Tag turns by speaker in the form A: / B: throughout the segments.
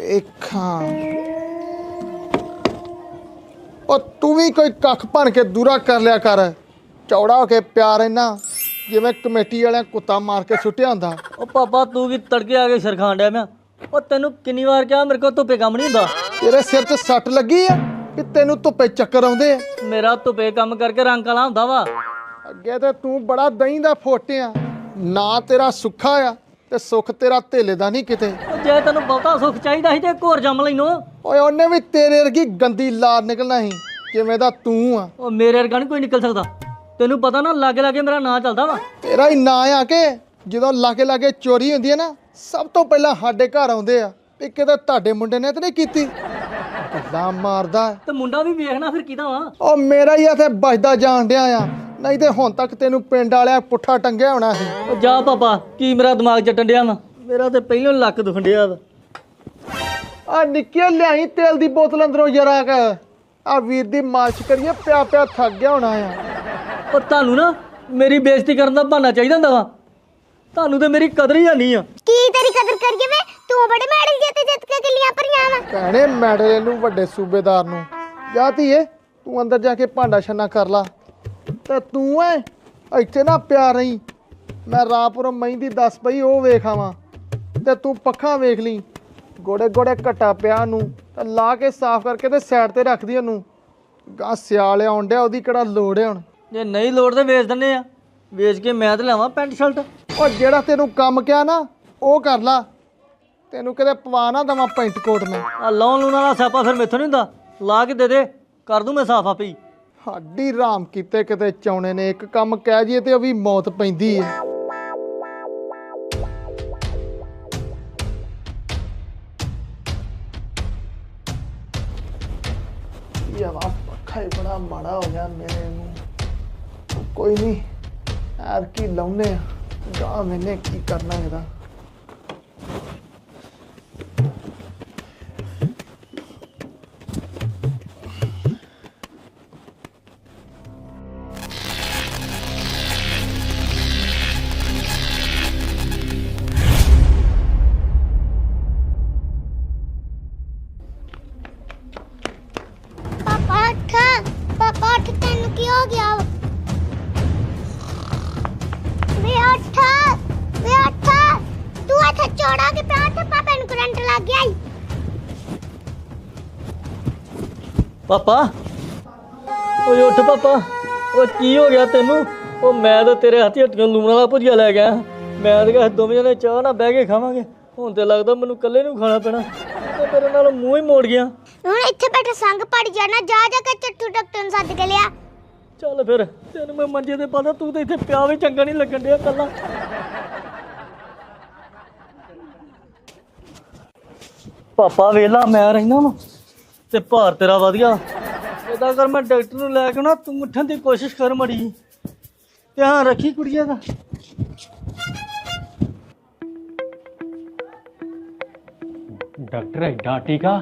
A: ਵੇਖਾਂ ਉਹ ਤੂੰ ਵੀ ਕੋਈ ਕੱਖ ਬਣ ਕੇ ਦੂਰਾ ਕਰ ਲਿਆ ਕਰ। ਚੌੜਾ ਹੋ ਕੇ ਪਿਆਰ ਇੰਨਾ ਜਿਵੇਂ ਕਮੇਟੀ ਵਾਲਿਆਂ ਕੁੱਤਾ ਮਾਰ ਕੇ ਸੁੱਟਿਆ ਹੁੰਦਾ।
B: ਉਹ ਪਾਪਾ ਤੂੰ ਵੀ ਤੜਕੇ ਆ ਕੇ ਸਰਖਾਂ ਡਿਆ ਮੈਂ। ਉਹ ਤੈਨੂੰ ਕਿੰਨੀ ਵਾਰ ਕਿਹਾ ਮੇਰੇ ਕੋਲ ਧੁੱਪੇ ਕੰਮ ਨਹੀਂ ਹੁੰਦਾ।
A: ਤੇਰੇ ਸਿਰ 'ਚ ਸੱਟ ਲੱਗੀ ਆ ਕਿ ਤੈਨੂੰ ਧੁੱਪੇ ਚੱਕਰ ਆਉਂਦੇ ਆ?
B: ਮੇਰਾ ਧੁੱਪੇ ਕੰਮ ਕਰਕੇ ਰੰਗ ਕਾਲਾ ਹੁੰਦਾ ਵਾ।
A: ਅੱਗੇ ਤੇ ਤੂੰ ਬੜਾ ਦਹੀਂ ਦਾ ਫੋਟਿਆ, ਨਾ ਤੇਰਾ ਸੁੱਖਾ ਆ ਤੇ ਸੁੱਖ ਤੇਰਾ ਧੇਲੇ ਦਾ ਨਹੀਂ ਕਿਤੇ।
B: ਜੇ ਤੈਨੂੰ ਬਹੁਤਾ ਸੁੱਖ ਚਾਹੀਦਾ ਸੀ ਤੇ ਇੱਕ ਹੋਰ ਜੰਮ ਲੈਨੋ।
A: ਓਏ ਉਹਨੇ ਵੀ ਤੇਰੇ ਵਰਗੀ ਗੰਦੀ ਲਾਰ ਨਿਕਲਣਾ ਸੀ ਜਿਵੇਂ ਦਾ ਤੂੰ ਆ।
B: ਉਹ ਮੇਰੇ ਵਰਗਾ ਨਹੀਂ ਕੋਈ ਨਿਕਲ ਸਕਦਾ। ਤੈਨੂੰ ਪਤਾ ਨਾ ਲਾਗੇ ਲਾਗੇ ਮੇਰਾ ਨਾਂ ਚੱਲਦਾ ਵਾ।
A: ਤੇਰਾ ਹੀ ਨਾਂ ਆ ਕੇ ਜਦੋਂ ਲਾਗੇ ਲਾਗੇ ਚੋਰੀ ਹੁੰਦੀ ਹੈ ਨਾ, ਸਭ ਤੋਂ ਪਹਿਲਾਂ ਸਾਡੇ ਘਰ ਆਉਂਦੇ ਆ ਵੀ ਕਿਤੇ ਤੁਹਾਡੇ ਮੁੰਡੇ ਨੇ ਤਾਂ ਨਹੀਂ ਕੀਤੀ। ਗੱਲਾਂ ਮਾਰਦਾ
B: ਤੇ ਮੁੰਡਾ ਵੀ ਵੇਖਣਾ ਫਿਰ ਕਿਹਦਾ ਵਾ।
A: ਉਹ ਮੇਰਾ ਹੀ ਇੱਥੇ ਬਚਦਾ ਜਾਣ ਡਿਆ ਆ, ਨਹੀਂ ਤੇ ਹੁਣ ਤੱਕ ਤੈਨੂੰ ਪਿੰਡ ਵਾਲਿਆ ਪੁੱਠਾ ਟੰਗਿਆ ਹੋਣਾ ਸੀ।
B: ਉਹ ਜਾ ਪਾਪਾ, ਕੀ ਮੇਰਾ ਦਿਮਾਗ ਚੱਟਣ ਡਿਆ ਵਾ। ਮੇਰਾ ਤੇ ਪਹਿਲਾਂ ਲੱਕ ਦੁਖਣ ਡਿਆ ਵਾ।
A: ਆ ਨਿੱਕੇ ਲਿਆਈ ਤੇਲ ਦੀ ਬੋਤਲ ਅੰਦਰੋਂ ਜਰਾ ਕ ਆ ਵੀਰ ਦੀ ਮਾਲਿਸ਼ ਕਰੀਏ, ਪਿਆ ਪਿਆ ਥੱਕ ਗਿਆ ਹੋਣਾ ਆ।
B: ਉਹ ਤੁਹਾਨੂੰ ਨਾ ਮੇਰੀ ਬੇਇੱਜ਼ਤੀ ਕਰਨ ਦਾ ਬਹਾਨਾ ਚਾਹੀਦਾ ਹੁੰਦਾ ਵਾ। ਤੁਹਾਨੂੰ ਤੇ ਮੇਰੀ ਕਦਰ ਹੀ ਨਹੀਂ ਆ।
C: ਕੀ ਤੇਰੀ ਕਦਰ ਕਰੀਏ ਵੇ? ਤੂੰ ਬੜੇ ਮੈਡਲ ਜਿੱਤ ਕੇ ਕਿੱਲੀਆਂ ਭਰੀਆਂ ਵਾ।
A: ਭੈਣੇ ਮੈਡਲ ਨੂੰ ਵੱਡੇ ਸੂਬੇਦਾਰ ਨੂੰ ਜਾ ਧੀਏ, ਤੂੰ ਅੰਦਰ ਜਾ ਕੇ ਭਾਂਡਾ ਛੰਨਾ ਕਰ ਲਾ। ਤੇ ਤੂੰ ਐ ਇੱਥੇ ਨਾ ਪਿਆ ਰਹੀ, ਮੈਂ ਰਾਪੁਰ ਮਹਿੰਦੀ ਦੱਸ ਪਈ ਉਹ ਵੇਖ ਆਵਾਂ ਤੇ ਤੂੰ ਪੱਖਾਂ ਵੇਖ ਲਈ। ਗੋੜੇ ਗੋੜੇ ਘਟਾ ਪਿਆ ਨੂੰ ਤਾਂ ਲਾ ਕੇ ਸਾਫ਼ ਕਰਕੇ ਤੇ ਸਾਈਡ ਤੇ ਰੱਖਦੀ ਉਹਨੂੰ। ਗਾਂ ਸਿਆਲ ਆਉਣ ਡਿਆ, ਉਹਦੀ ਕਿਹੜਾ ਲੋੜ ਹੈ ਹੁਣ।
B: ਜੇ ਨਹੀਂ ਲੋੜ ਤੇ ਵੇਚ ਦਿੰਨੇ ਆ। ਵੇਚ ਕੇ ਮੈਂ ਤੇ ਲਿਆਵਾਂ ਪੈਂਟ ਸ਼ਰਟ।
A: ਉਹ ਜਿਹੜਾ ਤੈਨੂੰ ਕੰਮ ਕਿਹਾ ਨਾ ਉਹ ਕਰ ਲਾ, ਤੈਨੂੰ ਕਿਤੇ ਪਵਾ ਨਾ ਦੇਵਾਂ ਪੈਂਟ ਕੋਟ ਮੈਂ।
B: ਆ ਲਾਉਣ ਲੂਣ ਵਾਲਾ ਸਿਆਪਾ ਫਿਰ ਮੈਥੋਂ ਨਹੀਂ ਹੁੰਦਾ। ਲਾ ਕੇ ਦੇ ਦੇ, ਕਰ ਦੂੰ ਮੈਂ ਸਾਫ਼ ਆਪੇ ਹੀ।
A: ਸਾਡੀ ਰਾਮ ਕੀਤੇ ਕਿਤੇ ਚਾਉਣੇ ਨੇ, ਇੱਕ ਕੰਮ ਕਹਿ ਜੀਏ ਤੇ ਉਹ ਵੀ ਮੌਤ ਪੈਂਦੀ ਹੈ। ਯਾ ਵਾ ਪੱਖਾ ਹੀ ਬੜਾ ਮਾੜਾ ਹੋ ਗਿਆ ਮੇਰੇ ਨੂੰ। ਕੋਈ ਨਹੀਂ ਯਾਰ, ਕੀ ਲਾਉਨੇ ਆ ਗਾਂ, ਮੈਨੇ ਕੀ ਕਰਨਾ ਇਹਦਾ।
C: ਪਾਪਾ ਉੱਠ ਤੈਨੂੰ ਕੀ ਹੋ ਗਿਆ? ਵੇ ਉੱਠ ਤੂੰ ਇੱਥੇ ਚੌੜਾ ਕੇ ਪਿਆ ਤੇ ਪਾਪਾ ਨੂੰ ਕਰੰਟ ਲੱਗ ਗਿਆ ਈ।
B: ਪਾਪਾ ਓਏ ਉੱਠ ਪਾਪਾ। ਉਹ ਕੀ ਹੋ ਗਿਆ ਤੈਨੂੰ? ਉਹ ਮੈਂ ਤਾਂ ਤੇਰੇ ਹੱਥੀ ਹੱਟੀਆਂ ਲੂਣ ਵਾਲਾ ਭੁਜੀਆ ਲੈ ਗਿਆ। ਮੈਂ ਤਾਂ ਕਿਹਾ ਦੋਵੇਂ ਜਣੇ ਚਾਹ ਨਾਲ ਬਹਿ ਕੇ ਖਾਵਾਂਗੇ। ਹੁਣ ਤੇ ਲੱਗਦਾ ਮੈਨੂੰ ਇਕੱਲੇ ਨੂੰ ਖਾਣਾ ਪੈਣਾ। ਤੇ ਤੇਰੇ ਨਾਲ ਮੂੰਹ ਹੀ ਮੋੜ ਗਿਆ।
C: ਹੁਣ ਇੱਥੇ ਬੈਠਾ ਸੰਗ ਪੜ ਜਾਣਾ। ਜਾ ਕੇ ਚੱਟੂ ਡਾਕਟਰ ਨੂੰ ਸੱਦ ਕੇ ਲਿਆ।
B: ਚੱਲ ਫਿਰ, ਤੈਨੂੰ ਮੈਂ ਮੰਜੇ ਤੇ ਪਾਦਾ, ਤੂੰ ਤਾਂ ਇੱਥੇ ਪਿਆ ਵੀ ਚੰਗਾ ਨਹੀਂ ਲੱਗਣ ਡਿਆ ਕੱਲਾ। ਪਾਪਾ ਵੇਲਾ ਮੈਂ ਰਹਿਣਾ ਵਾ ਤੇ ਭਾਰ ਤੇਰਾ ਵਧੀਆ। ਇਹਦਾ ਕਰ ਮੈਂ ਡਾਕਟਰ ਨੂੰ ਲੈ ਕੇ ਨਾ, ਤੂੰ ਉੱਠਣ ਦੀ ਕੋਸ਼ਿਸ਼ ਕਰ ਮੜੀ। ਧਿਆਨ ਰੱਖੀ ਕੁੜੀਏ ਦਾ। ਡਾਕਟਰ ਐਡਾ ਟੀਕਾ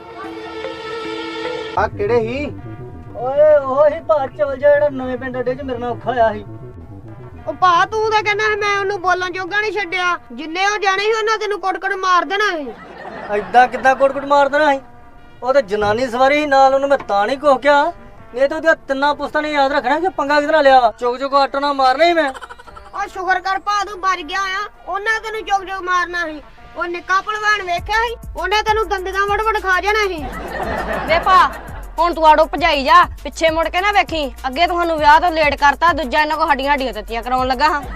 A: ਆ ਕਿਹੜੇ ਹੀ?
B: ਓਏ ਉਹ ਹੀ ਭਾ ਚਲ ਜਾ ਜਿਹੜਾ ਨਵੇਂ ਪਿੰਡ ਅੱਡੇ 'ਚ ਮੇਰੇ ਨਾਲ ਔਖਾ ਹੋਇਆ ਸੀ।
D: ਉਹ ਭਾ ਤੂੰ ਤਾਂ ਕਹਿੰਦਾ ਮੈਂ ਉਹਨੂੰ ਬੋਲਣ ਜੋਗਾ ਨਹੀਂ ਛੱਡਿਆ। ਜਿੰਨੇ ਉਹ ਜਾਣੇ ਸੀ ਉਹਨਾਂ ਤੈਨੂੰ ਕੁੱਟ-ਕੁੱਟ ਮਾਰ ਦੇਣਾ ਸੀ।
B: ਐਦਾਂ ਕਿੱਦਾਂ ਕੁੱਟ-ਕੁੱਟ ਮਾਰ ਦੇਣਾ ਸੀ? ਉਹ ਤੇ ਜਨਾਨੀ ਸਵਾਰੀ ਸੀ ਨਾਲ, ਉਹਨੂੰ ਮੈਂ ਤਾਂ ਨਹੀਂ ਕੁਛ ਕਿਹਾ। ਇਹ ਤਾਂ ਉਹਦੀਆਂ ਤਿੰਨਾਂ ਪੁਸਤਾਂ ਨੇ ਯਾਦ ਰੱਖਣਾ ਕਿ ਪੰਗਾ ਕਿਹਦੇ ਨਾਲ ਲਿਆ ਵਾ। ਚੁੱਕ ਚੁੱਕ ਆਟੋ ਨਾਲ ਮਾਰਨਾ ਹੀ ਮੈਂ।
D: ਉਹ ਸ਼ੁਕਰ ਕਰ ਭਾ ਤੂੰ ਬਚ ਗਿਆ ਆ। ਉਹਨਾਂ ਤੈਨੂੰ ਚੁੱਕ-ਚੁੱਕ ਮਾਰਨਾ ਸੀ। ਉਹ ਨਿੱਕਾ ਭਲਵਾਨ ਵੇਖਿਆ ਸੀ, ਉਹਨੇ ਤੈਨੂੰ ਦੰਦੀਆਂ ਵੜ-ਵੜ ਖਾ ਜਾਣਾ ਸੀ।
E: ਵੇ ਭਾ ਹੁਣ ਤੂੰ ਆੜੋ ਭਜਾਈ ਜਾ, ਪਿੱਛੇ ਮੁੜ ਕੇ ਨਾ ਵੇਖੀ। ਅੱਗੇ ਤੁਹਾਨੂੰ ਵਿਆਹ ਤੋਂ ਲੇਟ ਕਰਤਾ, ਦੂਜਾ ਇਹਨਾਂ ਕੋ ਹੱਡੀਆਂ ਤੱਤੀਆਂ ਕਰਾਉਣ ਲੱਗਾ ਹਾਂ।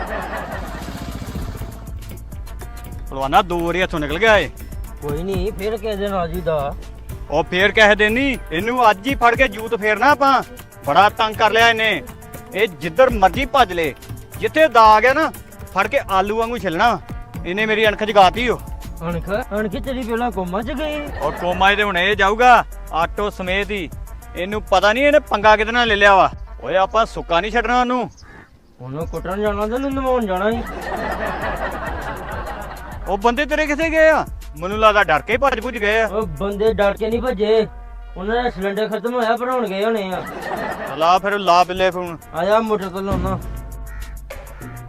F: ਭਲਵਾਨਾ 2 ਵਾਰੀ ਹੱਥੋਂ ਨਿਕਲ ਗਿਆ ਏ।
B: ਕੋਈ ਨਹੀਂ, ਫਿਰ ਕਿਸੇ ਦਿਨ ਆ ਜੀ ਦਾ।
F: ਉਹ ਫੇਰ ਕਹਿ ਦੇ ਨਹੀਂ, ਇਹਨੂੰ ਅੱਜ ਹੀ ਫੜ ਕੇ ਜੂਤ ਫੇਰਨਾ ਆਪਾਂ। ਬੜਾ ਤੰਗ ਕਰ ਲਿਆ ਇਹਨੇ। ਇਹ ਜਿੱਧਰ ਮਰਜੀ ਭੱਜ ਲੇ, ਜਿੱਥੇ ਦਾ ਆ ਗਿਆ ਨਾ ਫੜ ਕੇ ਆਲੂ ਵਾਂਗੂ ਛਿਲਣਾ। ਇਹਨੇ ਮੇਰੀ ਅਣਖ ਜਗਾਤੀ। ਉਹ
B: ਅਣਖ ਤੇਰੀ ਪਹਿਲਾਂ ਕੋਮਾ 'ਚ ਗਈ।
F: ਔਰ ਕੋਮਾ ਤੇ ਹੁਣ ਇਹ ਜਾਊਗਾ ਆਟੋ ਸਮੇਤ ਹੀ। ਇਹਨੂੰ ਪਤਾ ਨਹੀਂ ਇਹਨੇ ਪੰਗਾ ਕਿਹਦੇ ਨਾਲ ਲੈ ਲਿਆ ਵਾ। ਓਏ ਆਪਾਂ ਸੁੱਕਾ ਨਹੀਂ ਛੱਡਣਾ ਉਹਨੂੰ।
B: ਉਹਨੂੰ ਕੁੱਟਣ ਜਾਣਾ ਤੇ ਨਵਾਉਣ ਜਾਣਾ ਸੀ।
F: ਉਹ ਬੰਦੇ ਤੇਰੇ ਕਿੱਥੇ ਗਏ ਆ? ਮੈਨੂੰ ਲੱਗਦਾ ਡਰ ਕੇ ਭੱਜ ਭੁੱਜ ਗਏ ਆ।
B: ਉਹ ਬੰਦੇ ਡਰ ਕੇ ਨਹੀਂ ਭੱਜੇ, ਉਹਨਾਂ ਦਾ ਸਿਲੰਡਰ ਖਤਮ ਹੋਇਆ, ਭਰਾਉਣ ਗਏ ਹੋਣੇ ਆ।
F: ਲਾ ਫਿਰ ਲਾ ਬਿੱਲੇ ਫੋਨ।
B: ਆ ਜਾ ਮੋਟਰ ਤੋਂ ਲਾਉਣਾ।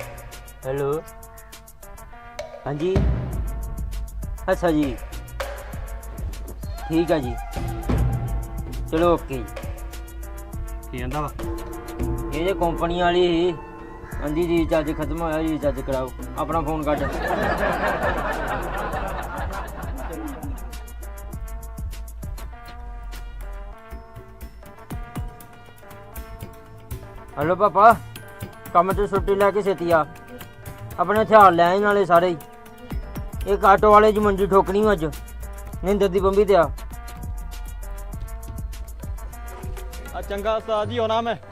B: ਹੈਲੋ, ਹਾਂਜੀ, ਅੱਛਾ ਜੀ,
G: ਠੀਕ ਆ ਜੀ ਚਲੋ ਓਕੇ ਜੀ।
F: ਕੀ ਕਹਿੰਦਾ ਵਾ?
G: ਇਹ ਜੇ ਕੰਪਨੀ ਵਾਲੀ ਸੀ ਹਾਂਜੀ ਰੀਚਾਰਜ ਖਤਮ ਹੋਇਆ ਰੀਚਾਰਜ ਕਰਾਓ ਆਪਣਾ ਫੋਨ ਕੱਢ। ਹੈਲੋ ਪਾਪਾ ਕੰਮ ਤੋਂ ਛੁੱਟੀ ਲੈ ਕੇ ਛੇਤੀ ਆ ਆਪਣੇ ਹਥਿਆਰ ਲੈ ਆਈ ਨਾਲੇ ਸਾਰੇ ਹੀ। ਇੱਕ ਆਟੋ ਵਾਲੇ ਦੀ ਮੰਜੀ ਠੋਕਣੀ ਅੱਜ ਨਿੰਦਰ ਦੀ ਬੰਬੀ ਤੇ ਆ।
F: ਚੰਗਾ ਉਸਤਾਦ ਜੀ ਆਉਣਾ ਮੈਂ।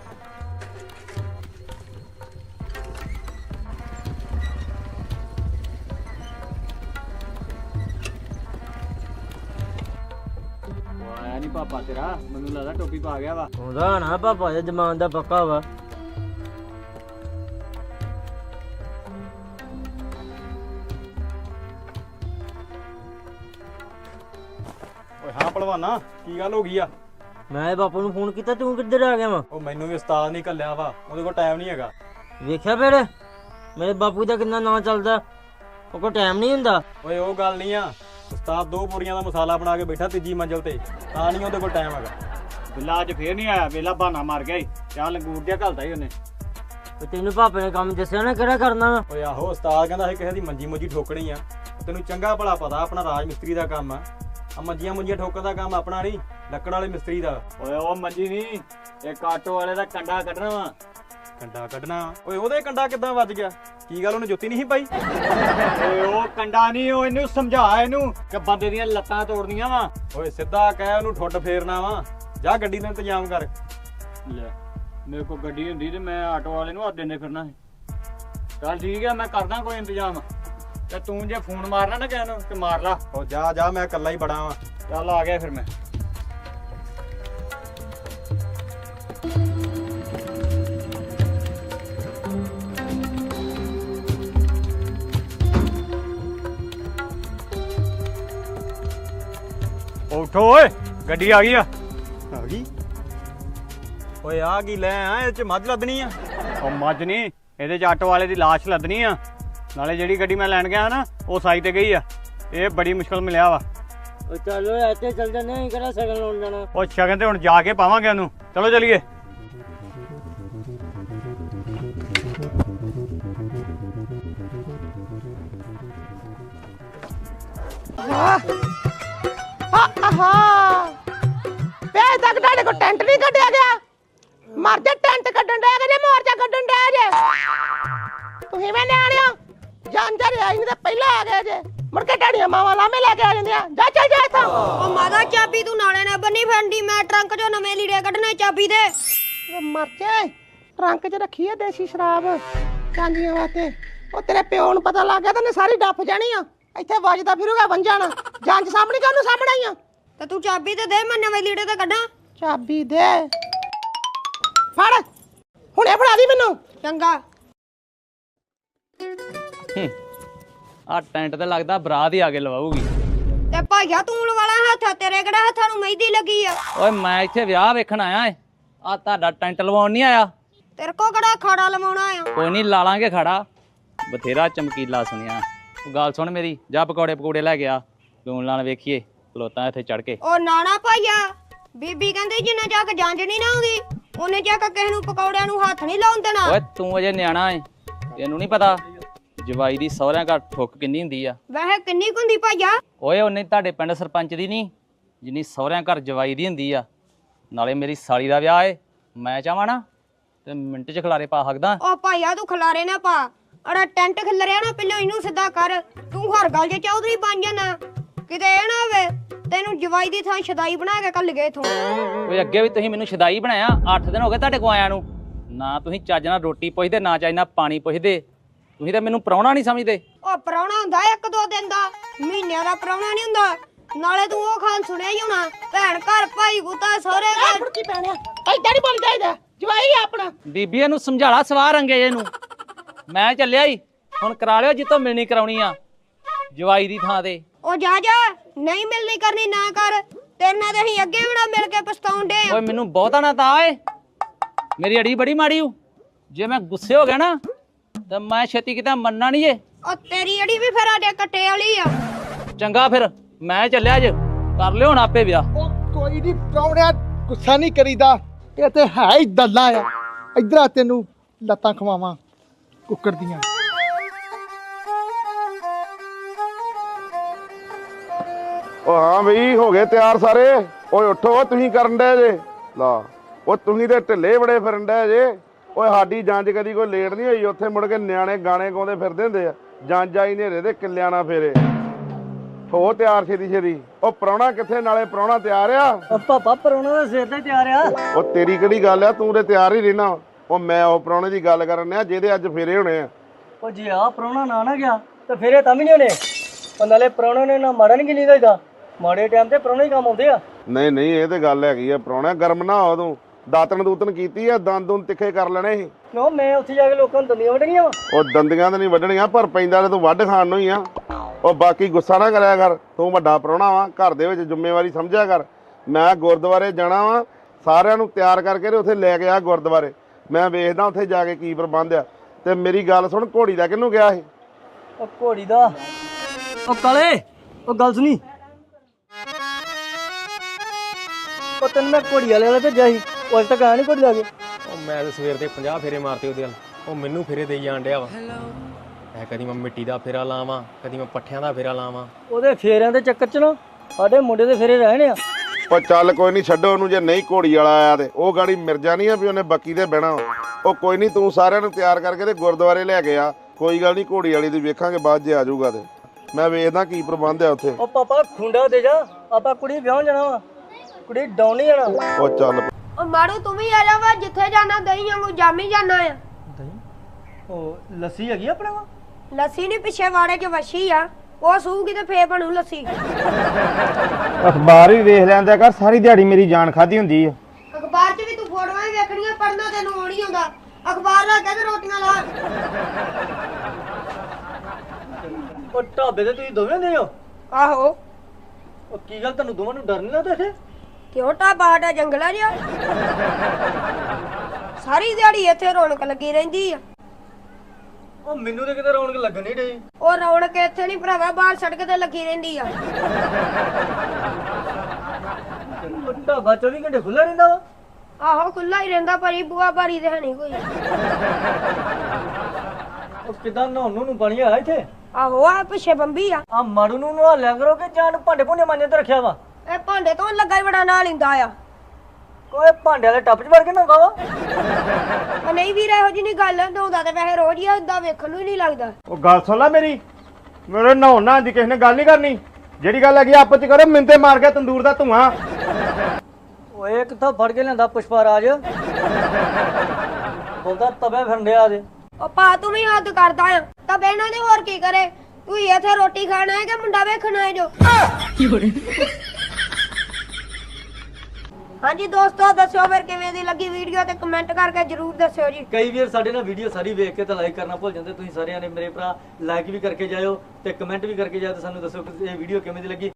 F: ਆਇਆ ਨਹੀਂ ਪਾਪਾ ਤੇਰਾ, ਮੈਨੂੰ ਲੱਗਦਾ ਟੋਪੀ ਪਾ ਗਿਆ ਵਾ।
G: ਉਹਦਾ ਨਾ ਪਾਪਾ ਦੇ ਜ਼ਮਾਨ ਦਾ ਪੱਕਾ ਵਾ।
F: ਓਏ ਹਾਂ ਭਲਵਾਨਾ, ਕੀ ਗੱਲ ਹੋ ਗਈ ਆ?
G: ਮੈਂ ਬਾਪੂ ਨੂੰ ਫੋਨ ਕੀਤਾ ਤੂੰ ਕਿੱਧਰ ਆ ਗਿਆ ਵਾ?
F: ਉਹ ਮੈਨੂੰ ਵੀ ਉਸਤਾਦ ਨਹੀਂ ਘੱਲਿਆ ਵਾ, ਉਹਦੇ ਕੋਲ ਟਾਈਮ ਨਹੀਂ ਹੈਗਾ।
G: ਵੇਖਿਆ ਫਿਰ ਮੇਰੇ ਬਾਪੂ ਦਾ ਕਿੰਨਾ ਨਾਂ ਚੱਲਦਾ, ਉਹ ਕੋਲ ਟਾਈਮ ਨਹੀਂ ਹੁੰਦਾ।
F: ਓਏ ਉਹ ਗੱਲ ਨਹੀਂ ਆ, ਉਸਤਾਦ 2 ਬੋਰੀਆਂ ਦਾ ਮਸਾਲਾ ਬਣਾ ਕੇ ਬੈਠਾ ਤੀਜੀ ਮੰਜ਼ਲ ਤੇ, ਤਾਂ ਨਹੀਂ ਉਹਦੇ ਕੋਲ ਟਾਈਮ ਹੈਗਾ। ਬਿੱਲਾ ਅੱਜ ਫੇਰ ਨਹੀਂ ਆਇਆ, ਵੇਲਾ ਬਹਾਨਾ ਮਾਰ ਗਿਆ ਈ। ਚਾਹ ਲੰਗੂਰ ਜਿਹਾ ਘਲਦਾ ਹੀ ਉਹਨੇ।
G: ਤੇ ਤੈਨੂੰ ਪਾਪੇ ਨੇ ਕੰਮ ਦੱਸਿਆ ਨਾ ਕਿਹੜਾ ਕਰਨਾ ਵਾ?
F: ਓਏ ਆਹੋ ਉਸਤਾਦ ਕਹਿੰਦਾ ਸੀ ਕਿਸੇ ਦੀ ਮੰਜੀ ਮੁੰਜੀ ਠੋਕਣੀ ਆ। ਤੈਨੂੰ ਚੰਗਾ ਭਲਾ ਪਤਾ ਆਪਣਾ ਰਾਜ ਮਿਸਤਰੀ ਦਾ ਕੰਮ ਆ ਮੰਜੀਆਂ ਮੁੰਜੀਆਂ ਠੋਕਣ ਦਾ ਕੰਮ ਆਪਣਾ ਨਹੀਂ, ਲੱਕੜ ਵਾਲੇ ਮਿਸਤਰੀ ਦਾ। ਓਏ ਉਹ ਮੰਜੀ ਨਹੀਂ, ਇੱਕ ਆਟੋ ਵਾਲੇ ਦਾ ਕੰਡਾ ਕੱਢਣਾ ਵਾ। ਕੰਡਾ ਕੱਢਣਾ? ਓਏ ਉਹਦੇ ਕੰਡਾ ਕਿੱਦਾਂ ਵੱਜ ਗਿਆ? ਕੀ ਗੱਲ ਉਹਨੇ ਜੁੱਤੀ ਨਹੀਂ ਪਾਈ? ਓਏ ਉਹ ਕੰਡਾ ਨਹੀਂ, ਉਹ ਇਹਨੂੰ ਸਮਝਾ ਇਹਨੂੰ ਕਿ ਬੰਦੇ ਦੀਆਂ ਲੱਤਾਂ ਤੋੜਨੀਆਂ ਵਾ। ਓਏ ਸਿੱਧਾ ਕਹਿ ਉਹਨੂੰ ਠੁੱਡ ਫੇਰਨਾ ਵਾ। ਜਾ ਗੱਡੀ ਦਾ ਇੰਤਜ਼ਾਮ ਕਰ। ਲੈ ਮੇਰੇ ਕੋਲ ਗੱਡੀ ਹੁੰਦੀ ਤੇ ਮੈਂ ਆਟੋ ਵਾਲੇ ਨੂੰ ਹੱਥ ਦਿੰਦੇ ਫਿਰਨਾ ਸੀ। ਚੱਲ ਠੀਕ ਹੈ, ਮੈਂ ਕਰਦਾ ਕੋਈ ਇੰਤਜ਼ਾਮ। ਤੇ ਤੂੰ ਜੇ ਫੋਨ ਮਾਰਨਾ ਨਾ ਕਿਸੇ ਨੂੰ ਤੇ ਮਾਰ ਲਾ। ਉਹ ਜਾ ਜਾ, ਮੈਂ ਇਕੱਲਾ ਹੀ ਬੜਾ ਵਾਂ। ਚੱਲ ਆ ਗਿਆ ਫਿਰ ਮੈਂ। ਉਠੋ ਓਏ, ਗੱਡੀ ਆ ਗਈ ਆ। ਆ ਗਈ? ਓਏ ਆ ਕੀ ਲੈ ਆ? ਇਹ ਚ ਮੱਝ ਲੱਦਣੀ ਆ? ਉਹ ਮੱਝ ਨਹੀਂ, ਇਹਦੇ ਚ ਆਟੋ ਵਾਲੇ ਦੀ ਲਾਸ਼ ਲੱਦਣੀ ਆ। ਨਾਲੇ ਜਿਹੜੀ ਗੱਡੀ ਮੈਂ ਲੈਣ ਗਿਆ ਨਾ ਉਹ ਸਾਈਡ ਤੇ ਗਈ ਆ। ਇਹ ਬੜੀ ਮੁਸ਼ਕਲ ਮਿਲਿਆ ਵਾ।
G: ਉਹ ਚਲੋ ਇੱਥੇ ਚੱਲ ਜਾਂਦੇ ਹਾਂ, ਕਿਹੜਾ ਸ਼ਗਨ ਲਾਉਣ ਜਾਣਾ।
F: ਉਹ ਸ਼ਗਨ ਤੇ ਹੁਣ ਜਾ ਕੇ ਪਾਵਾਂਗੇ ਉਹਨੂੰ। ਚਲੋ ਚਲੀਏ।
H: ਵੇ ਤੱਕ ਤੁਹਾਡੇ ਕੋਲ ਟੈਂਟ ਨਹੀਂ ਕੱਢਿਆ ਗਿਆ? ਮਰ ਜਾ, ਟੈਂਟ ਕੱਢਣ ਡਿਆ ਜੇ ਮੋਰਚਾ ਕੱਢਣ ਡਿਆ ਜੇ। ਤੁਸੀਂ ਮੈਂ ਨਿਆਣਿਓ ਜਾਂਦੇ ਰਿਹਾ ਨਹੀਂ ਤਾਂ ਪਹਿਲਾਂ ਆ ਗਏ ਜੇ, ਮੁੜ ਕੇ ਢਾੜੀਆਂ ਮਾਵਾਂ ਲਾਮੇ ਲੈ ਕੇ ਆ ਜਾਂਦੀਆਂ। ਜਾ ਚੱਲ ਜਾ ਇੱਥੋਂ।
D: ਉਹ ਮਾਦਾ ਚਾਬੀ ਤੂੰ ਨਾਲੇ ਨਾ ਬੰਨੀ ਫੰਡੀ, ਮੈਂ ਟਰੰਕ ਚੋਂ ਨਵੇਂ ਲੀੜੇ ਕੱਢਣੇ ਚਾਬੀ ਦੇ।
H: ਵੇ ਮਰ ਜਾ, ਟਰੰਕ 'ਚ ਰੱਖੀ ਆ ਦੇਸੀ ਸ਼ਰਾਬ ਚਾਂਦੀਆਂ ਵਾਸਤੇ। ਉਹ ਤੇਰੇ ਪਿਓ ਨੂੰ ਪਤਾ ਲੱਗ ਗਿਆ ਤਾਂ ਉਹਨੇ ਸਾਰੀ ਡੱਫ ਜਾਣੀ ਆ। ਇੱਥੇ ਵੱਜਦਾ ਫਿਰੂਗਾ ਵੰਜਾਣਾ। ਜਾਂਚ ਸਾਹਮਣੇ ਕਾਹਨੂੰ ਸਾਹਮਣੇ ਆ?
D: ਤੇ ਤੂੰ ਚਾਬੀ ਤੇ ਦੇ, ਮੈਂ ਨਵੇਂ ਲੀੜੇ ਤੇ ਕੱਢਾਂ।
H: ਚਾਬੀ ਦੇ ਫੜ, ਹੁਣੇ ਫੜਾ ਦੀ ਮੈਨੂੰ।
D: ਚੰਗਾ।
I: ਆ ਟੈਂਟ ਤੇ ਲੱਗਦਾ ਬਰਾਤ ਹੀ ਆ ਕੇ ਲਵਾਉਗੀ।
D: ਤੇ ਭਾਈਆ ਤੂੰ ਲਵਾਲਾ ਹੱਥ, ਤੇਰੇ ਕਿਹੜਾ ਹੱਥਾਂ ਨੂੰ ਮਹਿੰਦੀ ਲੱਗੀ ਆ?
I: ਓਏ ਮੈਂ ਇੱਥੇ ਵਿਆਹ ਵੇਖਣ ਆਇਆ ਏ, ਆ ਤੁਹਾਡਾ ਟੈਂਟ ਲਵਾਉਣ ਨਹੀਂ ਆਇਆ।
D: ਤੇਰੇ ਕੋ ਕਿਹੜਾ ਖਾੜਾ ਲਵਾਉਣਾ ਆ?
I: ਕੋਈ ਨਹੀਂ ਲਾ ਲਾਂਗੇ ਖੜਾ, ਬਥੇਰਾ ਚਮਕੀਲਾ ਸੁਣਿਆ। ਉਹ ਗੱਲ ਸੁਣ ਮੇਰੀ, ਜਾ ਪਕੌੜੇ ਪਕੌੜੇ ਲੈ ਗਿਆ ਲੂਣ ਨਾਲ ਵੇਖੀਏ ਖਲੋਤਾ ਇੱਥੇ ਚੜ ਕੇ।
D: ਉਹ ਨਾਣਾ ਭਾਈਆ, ਬੀਬੀ ਕਹਿੰਦੀ ਜਿੰਨਾ ਜਾ ਕੇ ਜਾਂਚ ਨਹੀਂ ਨਾ ਆਉਂਦੀ ਉਹਨੇ ਜਾ ਕੇ ਕਿਸੇ ਨੂੰ ਪਕੌੜਿਆਂ ਨੂੰ ਹੱਥ ਨਹੀਂ ਲਾਉਣ ਦੇਣਾ।
I: ਓਏ ਤੂੰ ਅਜੇ ਨਿਆਣਾ ਏ, ਤੈਨੂੰ ਨਹੀਂ ਪਤਾ ਜਵਾਈ ਦੀ ਸਹੁਰਿਆਂ ਘਰ ਠੁੱਕ ਕਿੰਨੀ ਹੁੰਦੀ ਆ।
D: ਵੈਸੇ ਕਿੰਨੀ ਕੁ ਹੁੰਦੀ ਭਾਈਆ?
I: ਓਏ ਉਹਨੇ ਤੁਹਾਡੇ ਪਿੰਡ ਸਰਪੰਚ ਦੀ ਨਹੀਂ ਜਿੰਨੀ ਸਹੁਰਿਆਂ ਘਰ ਜਵਾਈ ਦੀ ਹੁੰਦੀ ਆ। ਨਾਲੇ ਮੇਰੀ ਸਾਲੀ ਦਾ ਵਿਆਹ ਏ, ਮੈਂ ਚਾਹਾਂ ਨਾ ਤੇ ਮਿੰਟ 'ਚ ਖਿਲਾਰੇ ਪਾ ਸਕਦਾ।
D: ਉਹ ਭਾਈਆ ਤੂੰ ਖਲਾਰੇ ਨਾ ਪਾ, ਅੜਾ ਟੈਂਟ ਖਿਲਰਿਆ ਨਾ, ਪਹਿਲਾਂ ਇਹਨੂੰ ਸਿੱਧਾ ਕਰ। ਤੂੰ ਹਰ ਗੱਲ 'ਚ ਚੌਧਰੀ ਬਣ ਜਾਣਾ, ਕਿਤੇ ਇਹ ਨਾ ਹੋਵੇ ਤੈਨੂੰ ਜਵਾਈ ਦੀ ਥਾਂ ਸ਼ਦਾਈ ਬਣਾ ਕੇ ਕੱਲ ਗਏ ਇਥੋਂ।
I: ਓਏ ਅੱਗੇ ਵੀ ਤੁਸੀਂ ਮੈਨੂੰ ਸ਼ਦਾਈ ਬਣਾਇਆ, 8 ਦਿਨ ਹੋ ਗਏ ਤੁਹਾਡੇ ਕੋ ਆਇਆਂ ਨੂੰ। ਨਾ ਤੁਸੀਂ ਚੱਜ ਨਾਲ ਰੋਟੀ ਪੁੱਛਦੇ, ਨਾ ਚੱਜ ਨਾਲ ਪਾਣੀ ਪੁੱਛਦੇ। ਤੁਸੀਂ ਤਾਂ ਮੈਨੂੰ ਪ੍ਰਾਹੁਣਾ ਨਹੀਂ ਸਮਝਦੇ।
D: ਉਹ ਪ੍ਰਾਹੁਣਾ ਹੁੰਦਾ 1-2 ਦਿਨ ਦਾ, ਮਹੀਨਿਆਂ ਦਾ ਪ੍ਰਾਹੁਣਾ ਨਹੀਂ ਹੁੰਦਾ। ਨਾਲੇ ਤੂੰ ਉਹ ਖਾਨ ਸੁਣਿਆ ਹੀ ਹੋਣਾ, ਭੈਣ ਘਰ ਭਾਈ ਗੁੱਤਾ ਸਹੁਰੇ ਘਰ।
H: ਫੁੜਕੀ ਪੈਣਿਆ ਏਦਾਂ ਨਹੀਂ ਬੋਲਦਾ ਇਹਦਾ, ਜਵਾਈ ਆ ਆਪਣਾ।
I: ਬੀਬੀ ਇਹਨੂੰ ਸਮਝਾਲਾ ਸਵਾਰ ਰੰਗੇ ਇਹਨੂੰ। ਮੈਂ ਚੱਲਿਆ ਈ, ਹੁਣ ਕਰਾ ਲਿਓ ਜਿੱਤੋਂ ਮਿਲਣੀ ਕਰਾਉਣੀ ਆ ਜਵਾਈ ਦੀ ਥਾਂ ਤੇ।
D: ਉਹ ਜਾ ਜਾ, ਨਹੀਂ ਮਿਲਣੀ ਕਰਨੀ ਨਾ ਕਰ, ਤੇਰੇ ਨਾਲ ਤੇ ਅਸੀਂ ਅੱਗੇ ਵੀ ਨਾ ਮਿਲ ਕੇ ਪਛਤਾਉਂਦੇ ਆ।
I: ਓਏ ਮੈਨੂੰ ਬਹੁਤਾ ਨਾ ਤਾ ਏ, ਮੇਰੀ ਅੜੀ ਬੜੀ ਮਾੜੀ ਹੂ। ਜੇ ਮੈਂ ਗੁੱਸੇ ਹੋ ਗਿਆ ਨਾ ਤਾਂ ਮੈਂ ਛੇਤੀ ਕਿਤੇ ਮੰਨਣਾ ਨਹੀਂ ਏ।
D: ਉਹ ਤੇਰੀ ਅੜੀ ਵੀ ਫਿਰ ਆਡੇ ਕੱਟੇ ਵਾਲੀ ਆ।
I: ਚੰਗਾ ਫਿਰ ਮੈਂ ਚੱਲਿਆ ਅੱਜ, ਕਰ ਲਿਓ ਹੁਣ ਆਪੇ ਵਿਆਹ।
A: ਉਹ ਕੋਈ ਨਹੀਂ ਪ੍ਰਾਹੁਣਿਆ, ਗੁੱਸਾ ਨਹੀਂ ਕਰੀਦਾ, ਇਹ ਤੇ ਹੈ ਹੀ ਦੱਲਾ ਆ। ਇਧਰ ਆ ਤੈਨੂੰ ਲੱਤਾਂ ਖਵਾਵਾਂ ਕੁੱਕਰ ਦੀਆਂ।
J: ਉਹ ਹਾਂ ਬਈ ਹੋ ਗਏ ਤਿਆਰ ਸਾਰੇ। ਓਏ ਉੱਠੋ, ਤੁਸੀਂ ਕਰਨ ਡਏ ਜੇ ਲਾ। ਉਹ ਤੁਸੀਂ ਤੇ ਢਿੱਲੇ ਬੜੇ ਫਿਰਨ ਡਏ ਜੇ। ਓਏ ਸਾਡੀ ਜੰਜ ਕਦੀ ਕੋਈ ਲੇਟ ਨਹੀਂ ਹੋਈ। ਉੱਥੇ ਮੁੜ ਕੇ ਨਿਆਣੇ ਗਾਣੇ ਗਾਉਂਦੇ ਫਿਰਦੇ ਹੁੰਦੇ ਆ। ਜੰਜ ਆਈ ਨੇਰੇ ਦੇ ਕਿੱਲਿਆਂ ਨਾਲ ਫੇਰੇ। ਹੋ ਤਿਆਰ ਛੇਤੀ ਛੇਤੀ। ਉਹ ਪ੍ਰਾਹੁਣਾ ਕਿੱਥੇ? ਨਾਲੇ ਪ੍ਰਾਹੁਣਾ ਤਿਆਰ ਆ?
B: ਪਾਪਾ ਪਰੋਣਾ ਦਾ ਸਿਰ ਤੇ ਤਿਆਰ ਆ।
J: ਉਹ ਤੇਰੀ ਕਿਹੜੀ ਗੱਲ ਆ, ਤੂੰ ਤੇ ਤਿਆਰ ਹੀ ਰਹਿਣਾ। ਉਹ ਮੈਂ ਉਹ ਪ੍ਰਾਹੁਣੇ ਦੀ ਗੱਲ ਕਰਨ ਡਿਆ ਜਿਹਦੇ ਅੱਜ ਫੇਰੇ ਹੋਣੇ ਆ।
B: ਉਹ ਜੇ ਆ ਪਰੋਣਾ ਨਾ ਗਿਆ ਤਾਂ ਫਿਰ ਇਹ ਤਾਂ ਵੀ ਨਹੀਂ ਹੋਣੇ। ਉਹ ਨਾਲੇ ਪਰੋਣੇ ਨੇ ਨਾ ਮਾੜਾ ਨਹੀਂ ਚਾਹੀਦਾ, ਮਾੜੇ ਟਾਈਮ ਤੇ ਪਰੋਣੇ ਹੀ ਕੰਮ ਆਉਂਦੇ ਆ।
J: ਨਹੀਂ ਨਹੀਂ, ਇਹ ਤੇ ਗੱਲ ਹੈਗੀ ਆ। ਪ੍ਰਾਹੁਣਾ ਗਰਮ ਨਾ ਹੋ ਤੂੰ। ਦਾਤਣ ਦੂਤਣ ਕੀਤੀ ਆ, ਦੰਦ ਦੁੰਦ ਤਿੱਖੇ ਕਰ ਲੈਣੇ ਸੀ।
B: ਕਿਉਂ ਮੈਂ ਉੱਥੇ ਜਾ ਕੇ ਲੋਕਾਂ ਨੂੰ ਦੰਦੀਆਂ ਵੱਢਣੀਆਂ ਵਾ?
J: ਉਹ ਦੰਦੀਆਂ ਤਾਂ ਨਹੀਂ ਵੱਢਣੀਆਂ, ਪਰ ਪੈਂਦਾ ਤੇ ਤੂੰ ਵੱਢ ਖਾਣ ਨੂੰ ਹੀ ਆ। ਉਹ ਬਾਕੀ ਗੁੱਸਾ ਨਾ ਕਰਿਆ ਕਰ, ਤੂੰ ਵੱਡਾ ਪ੍ਰਾਹੁਣਾ ਵਾ, ਘਰ ਦੇ ਵਿੱਚ ਜ਼ਿੰਮੇਵਾਰੀ ਸਮਝਿਆ ਕਰ। ਮੈਂ ਗੁਰਦੁਆਰੇ ਜਾਣਾ ਵਾ, ਸਾਰਿਆਂ ਨੂੰ ਤਿਆਰ ਕਰਕੇ ਤੇ ਉੱਥੇ ਲੈ ਕੇ ਆ ਗੁਰਦੁਆਰੇ। ਮੈਂ ਵੇਖਦਾ ਉੱਥੇ ਜਾ ਕੇ ਕੀ ਪ੍ਰਬੰਧ ਆ। ਤੇ ਮੇਰੀ ਗੱਲ ਸੁਣ, ਘੋੜੀ ਦਾ ਕਿਹਨੂੰ ਗਿਆ ਸੀ?
B: ਉਹ ਘੋੜੀ ਦਾ ਉਹ ਕਾਲੇ, ਉਹ ਗੱਲ ਸੁਣੀ। ਉਹ ਤੈਨੂੰ ਮੈਂ ਘੋੜੀ ਵਾਲੇ ਭੇਜਿਆ ਸੀ, ਉਹ ਅਜੇ ਤੱਕ ਆਇਆ ਨਹੀਂ ਘੋੜੀ ਲਾ ਕੇ।
K: ਉਹ ਮੈਂ ਤਾਂ ਸਵੇਰ ਦੇ 50 ਫੇਰੇ ਮਾਰਤੇ ਉਹਦੇ ਨਾਲ। ਉਹ ਮੈਨੂੰ ਫੇਰੇ ਦੇਈ ਜਾਣ ਡਿਆ ਵਾ। ਮੈਂ ਕਦੀ ਮੈਂ ਮਿੱਟੀ ਦਾ ਫੇਰਾ ਲਾਵਾਂ, ਕਦੀ ਮੈਂ ਪੱਠਿਆਂ ਦਾ ਫੇਰਾ ਲਾਵਾਂ।
B: ਉਹਦੇ ਫੇਰਿਆਂ ਦੇ ਚੱਕਰ 'ਚ ਨਾ ਸਾਡੇ ਮੁੰਡੇ ਦੇ ਫੇਰੇ ਰਹਿਣੇ ਆ।
J: ਉਹ ਚੱਲ ਕੋਈ ਨਹੀਂ, ਛੱਡੋ ਉਹਨੂੰ। ਜੇ ਨਹੀਂ ਘੋੜੀ ਵਾਲਾ ਆਇਆ ਤੇ ਉਹ ਗਾੜੀ ਮਿਰਜ਼ਾ ਨਹੀਂ ਆ ਵੀ ਉਹਨੇ ਬੱਕੀ ਤੇ ਬਹਿਣਾ। ਉਹ ਕੋਈ ਨਹੀਂ, ਤੂੰ ਸਾਰਿਆਂ ਨੂੰ ਤਿਆਰ ਕਰਕੇ ਤੇ ਗੁਰਦੁਆਰੇ ਲੈ ਕੇ ਆ। ਕੋਈ ਗੱਲ ਨਹੀਂ, ਘੋੜੀ ਵਾਲੀ ਦੀ ਵੇਖਾਂਗੇ ਬਾਅਦ ਜੇ ਆ ਜਾਊਗਾ ਤੇ। ਮੈਂ ਵੇਖਦਾ ਕੀ ਪ੍ਰਬੰਧ ਆ ਉੱਥੇ।
B: ਉਹ ਪਾਪਾ ਖੁੰਡਾ ਦੇ ਜਾ, ਆਪਾਂ ਕੁੜੀ ਵਿਆਹ ਜਾਣਾ ਵਾ, ਕੁੜੀ ਡਾਉਣ ਨਹੀਂ ਜਾਣਾ।
J: ਉਹ ਚੱਲ
D: ਉਹ ਮਾਰੂ ਤੂੰ ਵੀ ਆ ਜਾ ਵਾ, ਜਿੱਥੇ ਜਾਣਾ ਦਹੀਂ ਵਾਂਗੂ ਜਾਮੀ ਜਾਣਾ ਆ।
B: ਉਹ ਲੱਸੀ ਹੈਗੀ ਆਪਣੇ ਕੋਲ?
D: ਲੱਸੀ ਨਹੀਂ, ਪਿੱਛੇ ਵਾੜੇ 'ਚ ਵੱਛੀ ਆ, ਉਹ ਸੂਗੀ ਤੇ ਫੇਰ ਬਣੂ ਲੱਸੀ।
G: ਅਖਬਾਰ ਵੀ ਵੇਖ ਲੈਂਦਾ ਕਰ, ਸਾਰੀ ਦਿਹਾੜੀ ਮੇਰੀ ਜਾਨ ਖਾਦੀ ਹੁੰਦੀ ਆ।
D: ਅਖਬਾਰ 'ਚ ਵੀ ਤੂੰ ਫੋਟੋਆਂ ਹੀ ਵੇਖਣੀਆਂ, ਪੜ੍ਹਨਾ ਤੈਨੂੰ ਆਉਣੀ ਹੁੰਦਾ। ਅਖਬਾਰ ਲਾ ਕੇ ਤੇ ਰੋਟੀਆਂ ਲਾ।
B: ਉਹ ਢਾਬੇ ਤੇ ਤੁਸੀਂ ਦੋਵੇਂ ਹੁੰਦੇ ਹੋ?
D: ਆਹੋ।
B: ਉਹ ਕੀ ਗੱਲ, ਤੁਹਾਨੂੰ ਦੋਵਾਂ ਨੂੰ ਡਰ ਨਹੀਂ ਲੱਗਦਾ ਇੱਥੇ?
D: ਕਿਉਂ? ਢਾਬਾ ਸਾਡਾ ਜੰਗਲਾ ਜਿਹਾ। ਸਾਰੀ ਦਿਹਾੜੀ ਇੱਥੇ ਰੌਣਕ ਲੱਗੀ ਰਹਿੰਦੀ ਆ।
B: ਉਹ ਮੈਨੂੰ ਤੇ ਕਿਤੇ ਰੌਣਕ ਲੱਗਣ ਨਹੀਂ ਡਈ।
D: ਉਹ ਰੌਣਕ ਇੱਥੇ ਨਹੀਂ ਭਰਾਵਾ, ਬਾਹਰ ਸੜਕ ਤੇ ਲੱਗੀ ਰਹਿੰਦੀ ਆ।
B: ਉਹ ਢਾਬਾ 24 ਘੰਟੇ ਖੁੱਲ੍ਹਾ ਰਹਿੰਦਾ ਵਾ?
D: ਆਹੋ ਖੁੱਲਾ ਹੀ ਰਹਿੰਦਾ, ਪਰ ਬੂਆ ਬਾਰੀ ਤੇ ਹੈ ਨਹੀਂ ਕੋਈ।
B: ਉਹ ਕਿਦਾਂ ਨਹਾਉਣ ਨੂੰ ਪਾਣੀ ਆ ਇੱਥੇ?
D: ਆਹੋ ਆ ਪਿੱਛੇ ਬੰਬੀ ਆ।
B: ਆ ਮਾੜੂ ਨੂੰ ਨਹਾ ਲਿਆ ਕਰੋ ਕਿ ਜਾਨ ਭਾਂਡੇ ਭੁੰਡੇ ਮਾਂਜੇ ਤੇ ਰੱਖਿਆ ਵਾ?
D: ਇਹ ਭਾਂਡੇ ਤੋਂ ਲੱਗਾ ਹੀ ਬੜਾ ਨਾਲ ਲਿੰਦਾ ਆ।
B: ਕੋਈ ਭਾਂਡੇ ਵਾਲੇ ਟੱਪ 'ਚ ਵੜ ਕੇ ਨਹਾਉਂਦਾ ਵਾ?
D: ਉਹ ਨਹੀਂ ਵੀਰ, ਇਹੋ ਜਿਹੀ ਨਹੀਂ ਗੱਲ। ਨਹਾਉਂਦਾ ਤੇ ਵੈਸੇ ਰੋਜ਼ ਹੀ ਆ, ਏਦਾਂ ਵੇਖਣ ਨੂੰ ਹੀ ਨਹੀਂ ਲੱਗਦਾ।
G: ਉਹ ਗੱਲ ਸੁਣ ਲੈ ਮੇਰੀ, ਮੇਰੇ ਨਹਾਉਣ ਨਾਲ ਦੀ ਕਿਸੇ ਨੇ ਗੱਲ ਨਹੀਂ ਕਰਨੀ। ਜਿਹੜੀ ਗੱਲ ਹੈਗੀ ਆਪਸ 'ਚ ਕਰੋ, ਮਿੰਤੇ ਮਾਰ ਕੇ ਤੰਦੂਰ ਦਾ ਧੂਆਂ।
B: ਓਏ ਕਿੱਥੋਂ ਫੜ ਕੇ ਲਿਆਂਦਾ ਪੁਸ਼ਪਾ ਰਾਜ? ਬੋਲਦਾ ਤਵੇ ਫਿਰਨਿਆ ਦੇ।
D: ਉਹ ਪਾ ਤੂੰ ਵੀ ਹੱਦ ਕਰਦਾ ਆ। ਤਾਂ ਬਹਿਣਾ ਤੇ ਹੋਰ ਕੀ ਕਰੇ? ਤੂੰ ਇੱਥੇ ਰੋਟੀ ਖਾਣਾ ਹੈ ਕਿ ਮੁੰਡਾ ਵੇਖਣਾ ਹੈ ਜੋ? ਹਾਂਜੀ ਦੋਸਤੋ, ਦੱਸਿਓ ਫਿਰ ਕਿਵੇਂ ਦੀ ਲੱਗੀ ਵੀਡੀਓ ਤੇ ਕਮੈਂਟ ਕਰਕੇ ਜਰੂਰ ਦੱਸਿਓ ਜੀ।
B: ਕਈ ਵੀਰ ਸਾਡੇ ਨਾਲ ਵੀਡੀਓ ਸਾਰੀ ਵੇਖ ਕੇ ਤਾਂ ਲਾਈਕ ਕਰਨਾ ਭੁੱਲ ਜਾਂਦੇ। ਤੁਸੀਂ ਸਾਰਿਆਂ ਨੇ ਮੇਰੇ ਭਰਾ ਲਾਈਕ ਵੀ ਕਰਕੇ ਜਾਇਓ ਤੇ ਕਮੈਂਟ ਵੀ ਕਰਕੇ ਜਾਇਓ ਤੇ ਸਾਨੂੰ ਦੱਸੋ ਕਿ ਇਹ ਵੀਡੀਓ ਕਿਵੇਂ ਦੀ ਲੱਗੀ।